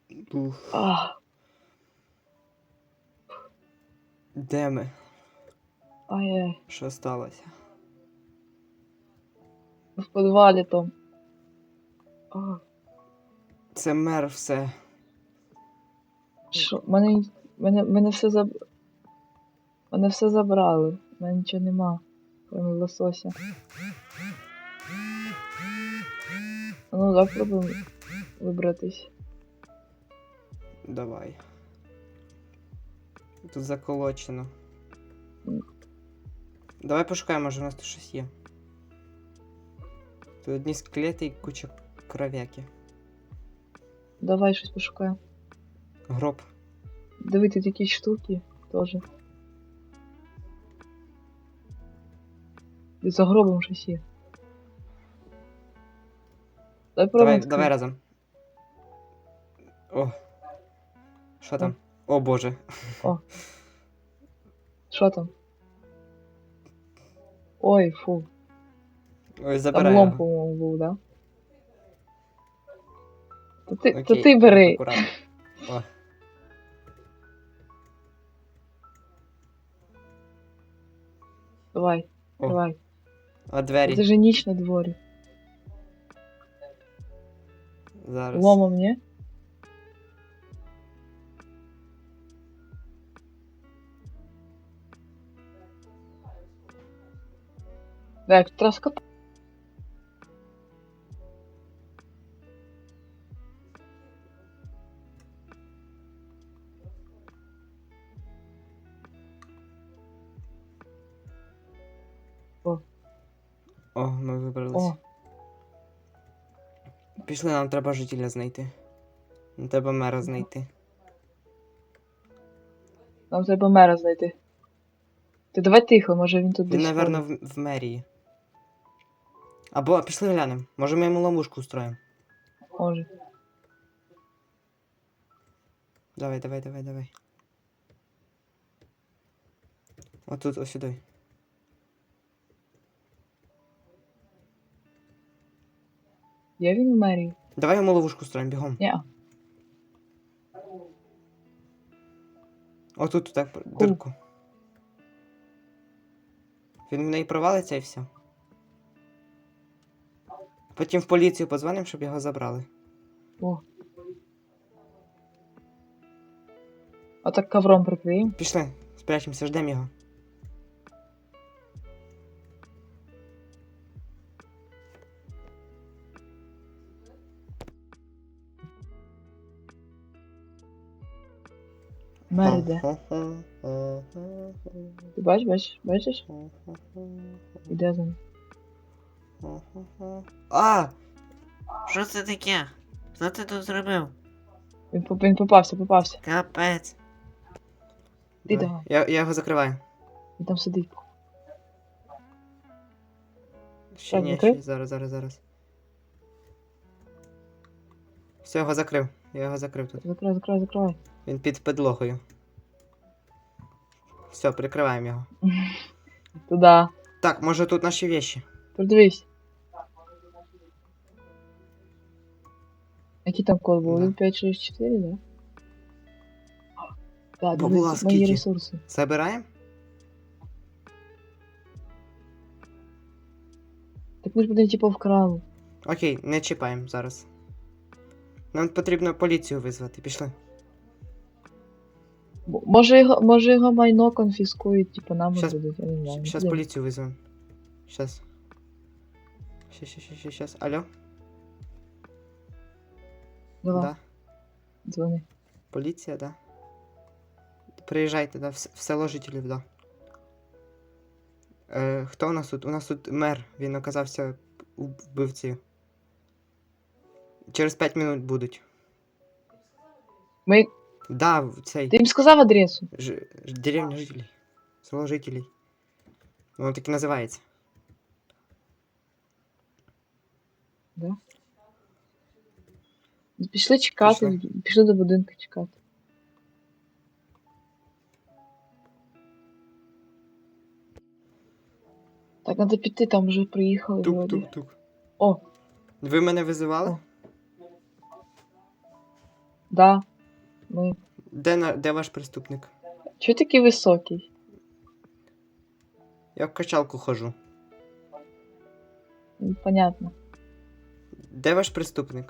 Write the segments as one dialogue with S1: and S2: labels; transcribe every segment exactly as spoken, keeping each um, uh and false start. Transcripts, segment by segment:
S1: Уф.
S2: Ах,
S1: Де ми?
S2: ай-яй.
S1: Що сталося?
S2: В підвалі там. Ах,
S1: Це мер все.
S2: що? Мене, мене, мене все заб... Мене все забрали. Мене нічого нема. Кроме лосося. А ну, давай пробуємо вибратись.
S1: Давай. Тут заколочено.
S2: М.
S1: Давай пошукаємо, може у нас тут щось є. Тут одні скелети і куча кров'яки.
S2: Давай щось пошукаємо.
S1: Гроб.
S2: Диви, тут якісь штуки теж. І за гробом щось є. Давай
S1: Давай,
S2: пробуємо.
S1: давай разом. О. Що там? О боже.
S2: О. Що там? Ой, фу.
S1: Ой,
S2: Там
S1: забирай
S2: лом,
S1: його.
S2: по-моєму, був, да? То ти, то
S1: Окей,
S2: ти
S1: так,
S2: бери.
S1: акуратно. О.
S2: Давай,
S1: О.
S2: давай.
S1: А
S2: Це
S1: двері?
S2: же ніч на дворі.
S1: Зараз.
S2: Ломом, ні? Так, траска. О,
S1: О, ми вибрались.
S2: о,
S1: Пішли, нам треба жителя знайти. Нам треба мера знайти.
S2: нам треба мера знайти. Ти давай тихо, може він тут
S1: Він,
S2: десь
S1: напевно,
S2: ходить.
S1: в, в мерії. Або пішли глянемо. Може ми йому ловушку устроїмо.
S2: Може.
S1: Давай, давай, давай, давай. Отут, ось сюди.
S2: Є він в мерії?
S1: Давай йому ловушку устроїмо, бігом.
S2: Ні.
S1: Отут, так, дирку. Він в неї провалиться і все. Потім в поліцію подзвонимо, щоб його забрали.
S2: О. А так ковром прикриємо.
S1: Пішли, спрячемося, ждемо його.
S2: Мер іде. Ти бачиш, бачиш, бачиш? Іде за ним.
S1: А! Що це таке? Що ти тут зробив?
S2: Він, поп- він попався, попався.
S1: Капець.
S2: Ти
S1: Давай.
S2: давай.
S1: Я, я його закриваю.
S2: Він там сидить.
S1: Ще
S2: Так,
S1: ні,
S2: закрив?
S1: ще зараз, зараз, зараз. Все, його закрив. Я його закрив тут.
S2: Закривай, закривай, закривай.
S1: Він під підлогою. Все, прикриваємо його.
S2: Туда.
S1: Так, може тут наші вещи.
S2: Продивись. Який там код був?
S1: Да.
S2: Він п'ять шість чотири, да? Так,
S1: Бабула,
S2: дивись, мої
S1: скільки?
S2: ресурси.
S1: Забираємо?
S2: Так ми ж будемо типу вкрали.
S1: Окей, не чіпаємо зараз. Нам потрібно поліцію визвати. Пішли.
S2: М- Може його, може його майно конфіскують, типу нам
S1: Щас-
S2: дадуть, я не знаю.
S1: Сейчас
S2: Блін.
S1: поліцію визвемо. Сейчас. Щас, щас, щас, щас, щас. Алло?
S2: Давай,
S1: Да.
S2: дзвони.
S1: Поліція, да. Приїжджайте, да, в, с- в село жителів, да. Е, хто у нас тут? У нас тут мер. Він оказався уб- вбивцею. Через п'ять минут будуть.
S2: Ми...
S1: Да, в- цей.
S2: Ти їм сказав адресу?
S1: Ж, ж- деревня жителей. Село жителей. Воно так і називається.
S2: Да? Ну, Пішли чекати,
S1: Пішли.
S2: пішли до будинку чекати. Так, треба піти, там вже приїхали вроді.
S1: Тук-тук-тук.
S2: О,
S1: Ви мене визивали?
S2: О. Да. Ми.
S1: Де, на... Де ваш преступник?
S2: Чого такий високий?
S1: Я в качалку хожу.
S2: М, Понятно.
S1: Де ваш преступник?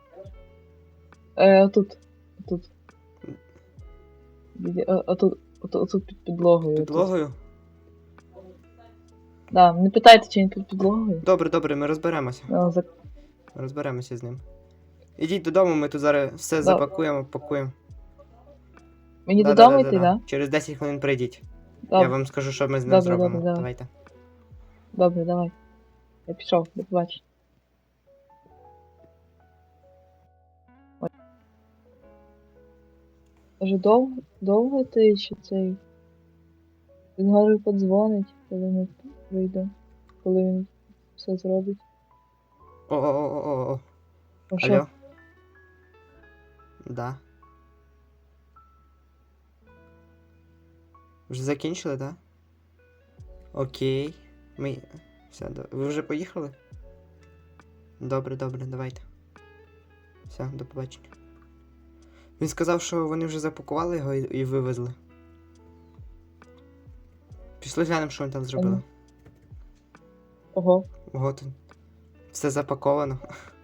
S2: Е, отут. Отут. Біля- о- Отут. Отут, отут під підлогою. отут.
S1: Підлогою?
S2: Да, не питайте, чи він під підлогою.
S1: Добре, добре, ми розберемося.
S2: А, за...
S1: Розберемося з ним. Ідіть додому, ми тут зараз все запакуємо, пакуємо.
S2: Мені
S1: Да,
S2: додому
S1: да,
S2: йти,
S1: да,
S2: да?
S1: да. Через десять хвилин прийдіть.
S2: Добре,
S1: Я вам скажу, що ми з ним
S2: Добре,
S1: зробимо.
S2: добре, давай.
S1: Давайте.
S2: добре, давай. Я пішов, до побачення. Ой. Може довго, довго ти чи цей? Він говорив, подзвонить, коли ми прийдемо. Коли він все зробить.
S1: О-о-о-о-о.
S2: А що?
S1: Алло? Да. Вже закінчили, так? Да? Окей. Ми. Все, до- ви вже поїхали? Добре, добре, давайте. Все, до побачення. Він сказав, що вони вже запакували його і, і вивезли. Пішли глянемо, що він там зробили.
S2: Ага. Ого,
S1: Ого, тут все запаковано.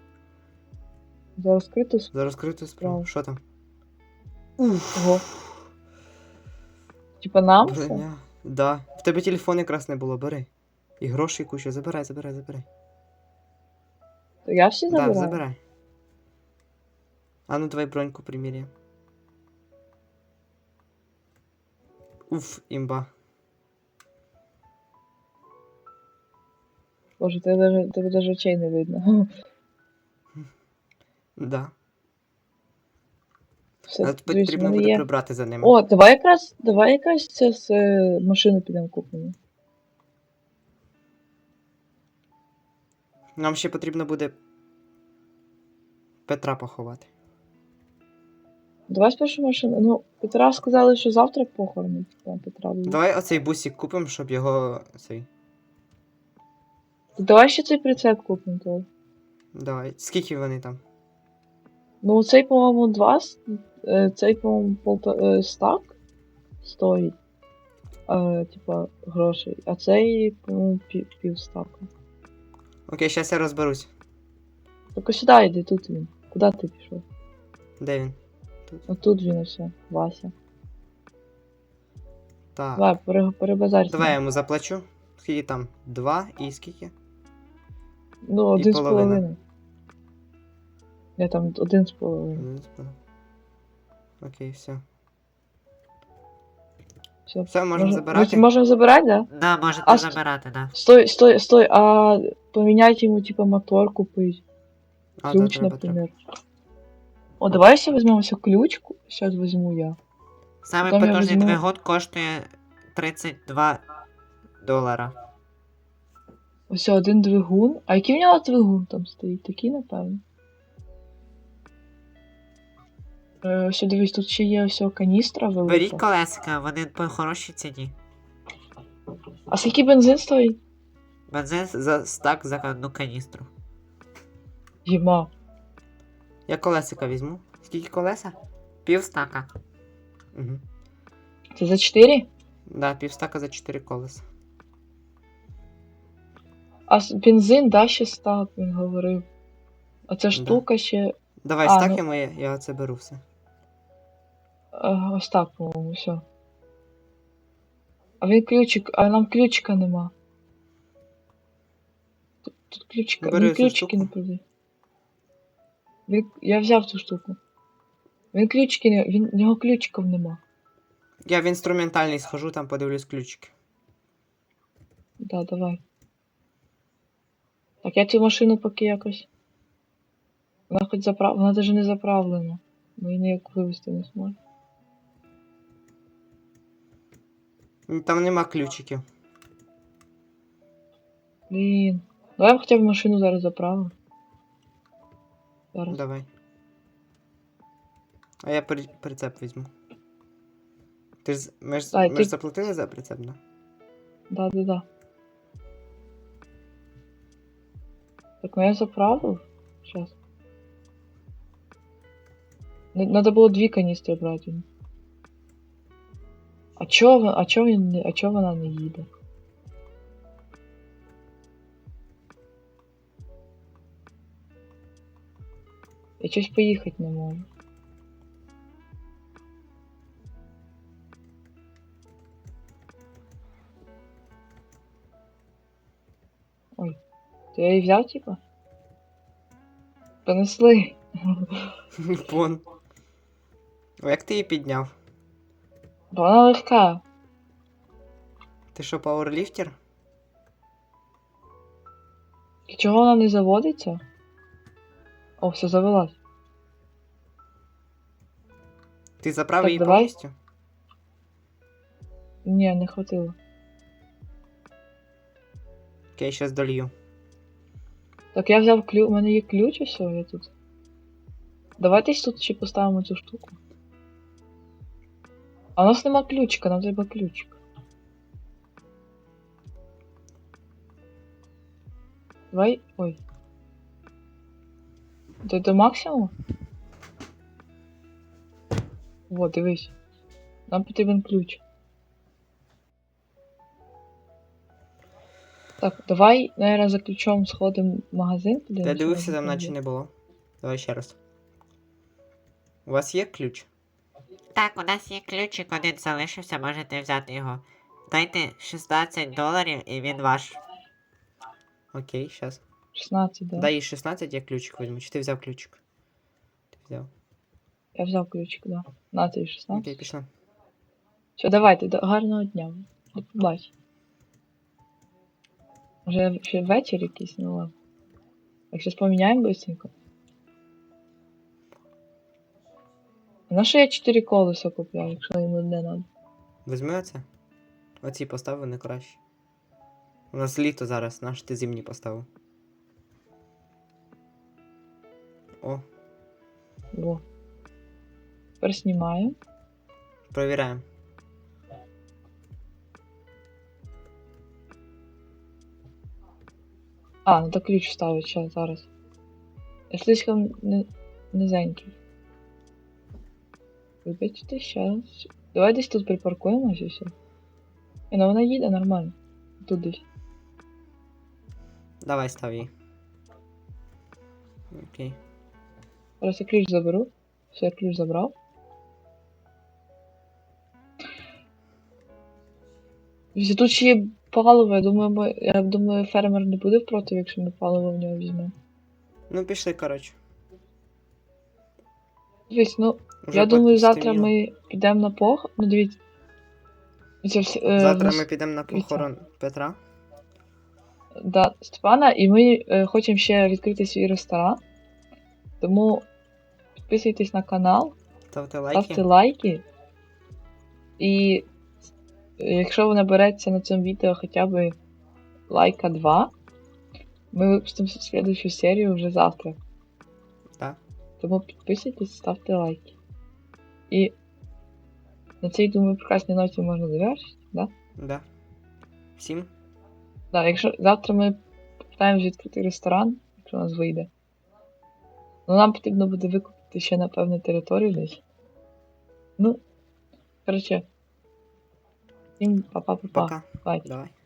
S2: за розкриту сп-
S1: За розкриту справу.
S2: Справу.
S1: Що там?
S2: Ого. Типа нам все?
S1: Броня. Да. В тебе телефон якраз не було, бери. І грошей куча. Забирай, забирай, забирай.
S2: То я всі
S1: Да,
S2: забираю?
S1: забирай. А ну давай броньку приміряємо. Уф, імба.
S2: Боже, тебе даже, тебе даже очей не видно.
S1: Да.
S2: Все,
S1: Але
S2: дивись, в
S1: потрібно
S2: мене
S1: буде
S2: є.
S1: прибрати за ними.
S2: О, давай якраз, давай якраз це з е, машини підемо купимо.
S1: Нам ще потрібно буде Петра поховати.
S2: Давай спершу машину. Ну, Петра сказали, що завтра похорони. Типа, Петра буде.
S1: Давай оцей бусик купимо, щоб його. Цей.
S2: Давай ще цей прицеп купимо. То.
S1: Давай. Скільки вони там?
S2: Ну, цей, по-моєму, два, с- е, цей, по-моєму, полта... е, стак стоїть. Е, типа, грошей. А цей, по-моєму, пів, пів стака.
S1: Окей, зараз я розберусь.
S2: Так ось сюди йди, тут він. Куди ти пішов?
S1: Де він?
S2: Отут він ось, Вася.
S1: Так.
S2: Давай, пере, перебазарь. з
S1: Давай я
S2: ним.
S1: йому заплачу. Скільки там? Два і скільки?
S2: Ну, один з
S1: половина.
S2: половиною. Я там один з половиною.
S1: Один з половиною. Окей, все.
S2: Все,
S1: Все, можемо забирати?
S2: Можемо забирати, да?
S1: Да, можете
S2: А,
S1: забирати, да.
S2: Стой, стой, стой, а поменять ему типа мотор купить.
S1: А,
S2: Ключ,
S1: да, треба, треба.
S2: например. О, давай ще візьмемо ся ключ. Сейчас возьму я.
S1: Саме
S2: Потім я
S1: потужний
S2: візьму-
S1: двигун коштує тридцять два долара.
S2: Ось один двигун. А який в нього двигун там стоїть? Такий, напевно. Е, ось дивись, тут ще є ось каністра велика.
S1: Беріть колесика, вони по хорошій ціні.
S2: А скільки бензин стоїть?
S1: Бензин за стак за одну каністру.
S2: Єма.
S1: Я колесика візьму. Скільки колеса? Пів стака. Угу.
S2: Це за чотири?
S1: Да, пів стака за чотири колеса.
S2: А с- бензин, да, ще стак, він говорив. А ця штука ще.
S1: Давай,
S2: А,
S1: стакаємо, я, я оце беру все.
S2: Е, ось так, по-моєму, все. А він ключик, а нам ключика нема. Тут, тут ключика,
S1: Бери
S2: він
S1: цю
S2: ключики
S1: штуку.
S2: не продає. Він, я взяв цю штуку. Він ключики не, він, в нього ключиків нема.
S1: Я в інструментальний схожу, там подивлюсь ключики.
S2: Да, давай. Так, я цю машину поки якось. Вона хоч заправ... Вона навіть не заправлена. Ми її ніяк вивезти не зможемо.
S1: М, Там нема ключиків.
S2: Блін. Давай я хоча б машину зараз заправимо. Зараз.
S1: Давай. А я при... прицеп візьму. Ти ж, ми ж,
S2: Дай,
S1: ми
S2: ти-
S1: ж заплатили за прицеп, да?
S2: Да, да, да. Так, ну я заправив. Сейчас. Надо було дві каністри брати. А чого, ви- а чого він не, а чого вона не їде? Я щось поїхати не можу. Ой, то я її взяв, типа? Понесли.
S1: Вон. О, як ти її підняв?
S2: Бо вона легка.
S1: Ти що, пауерліфтер?
S2: І чого вона не заводиться? О, все завелась.
S1: Ти заправив
S2: Так,
S1: її
S2: давай.
S1: повністю?
S2: Ні, не хватило.
S1: Окей, щас долью.
S2: Так я взяв ключ. У мене є ключ, ось я тут. Давайте тут ще поставимо цю штуку. А у нас нема ключика, нам треба ключик. Давай. Ой. До, до максимуму? Вот, дивись. Нам потрібен ключ. Так, давай, наверное, за ключом сходимо в магазин.
S1: Я дивився, там наче не було. Давай ще раз. У вас є ключ?
S3: Так, у нас є ключик, один залишився, можете взяти його. Дайте шістнадцять доларів і він ваш.
S1: Окей, щас.
S2: шістнадцять, да.
S1: Дай їй шістнадцять, я ключик візьму. Чи ти взяв ключик? Ти взяв.
S2: Я взяв ключик, да. На тобі шістнадцять.
S1: Окей, пішла.
S2: Все, давайте, до гарного дня. До побачення. Вже ще вечір якийсь, ну ладно. Так, щас поміняємо быстренько. На що я чотири колеса купляю, якщо йому не надо?
S1: Візьми оце. Оці постав, вони краще. У нас літо зараз, наш ти зимні поставив. О,
S2: Во. Тепер знімаю.
S1: провіряємо.
S2: А, надо ключ вставити ще зараз. Я слишком не... низенький. Вибачте, щас. Давай десь тут припаркуємося і все. І ну вона їде нормально. Тут десь.
S1: Давай став її. Окей.
S2: Зараз я ключ заберу. Все, я ключ забрав. Дивіться, тут ще є паливо, я думаю, ми... я думаю, фермер не буде проти, якщо ми паливо в нього візьмемо.
S1: Ну пішли, коротше.
S2: Дивіться, ну,
S1: Уже
S2: я думаю,
S1: пот-
S2: завтра
S1: стемніло.
S2: ми підемо на пох... Ну, дивіться. Це все, е,
S1: Завтра
S2: нас-
S1: ми підемо на похорон Петра.
S2: Да, Степана, і ми е, хочемо ще відкрити свій ресторан. Тому підписуйтесь на канал,
S1: Ставте лайки.
S2: ставте лайки. І е, якщо ви набереться на цьому відео хоча б лайка два, ми випустимо слідущу серію вже завтра.
S1: Так.
S2: Тому підписуйтесь, ставте лайки. І на цій, думаю, прекрасній ноті можна завершити, да?
S1: Да. Всім.
S2: Да, якщо завтра ми попитаємось відкрити ресторан, якщо у нас вийде. Ну нам потрібно буде викупити ще, напевно, територію десь. Ну, коротше. Всім па-па-па-па.
S1: Пока.
S2: Бай.
S1: Давай.